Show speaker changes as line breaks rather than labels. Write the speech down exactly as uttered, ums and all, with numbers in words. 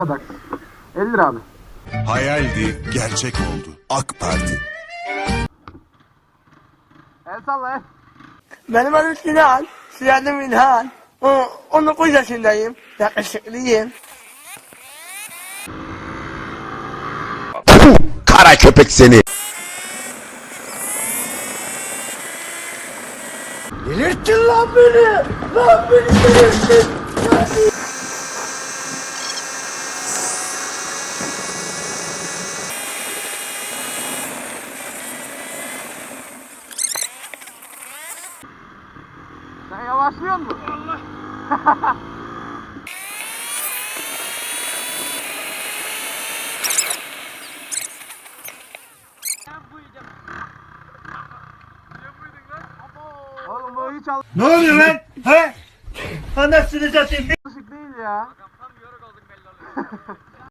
kadar. elli lira abi.
Hayaldi, gerçek oldu. AK Parti.
El salla el.
Benim adım Sinan. Sinan İlhan. O, on dokuz yaşındayım. Yakışıklıyım.
Kara köpek seni.
Delirttin lan beni. Lan beni delirttin.
Sen yavaşlıyor musun? Allah. Oğlum bu hiç
Ne oluyor lan? He? Anasını satayım.
alışık değil ya.
Tam yoruk olduk belli oluyor.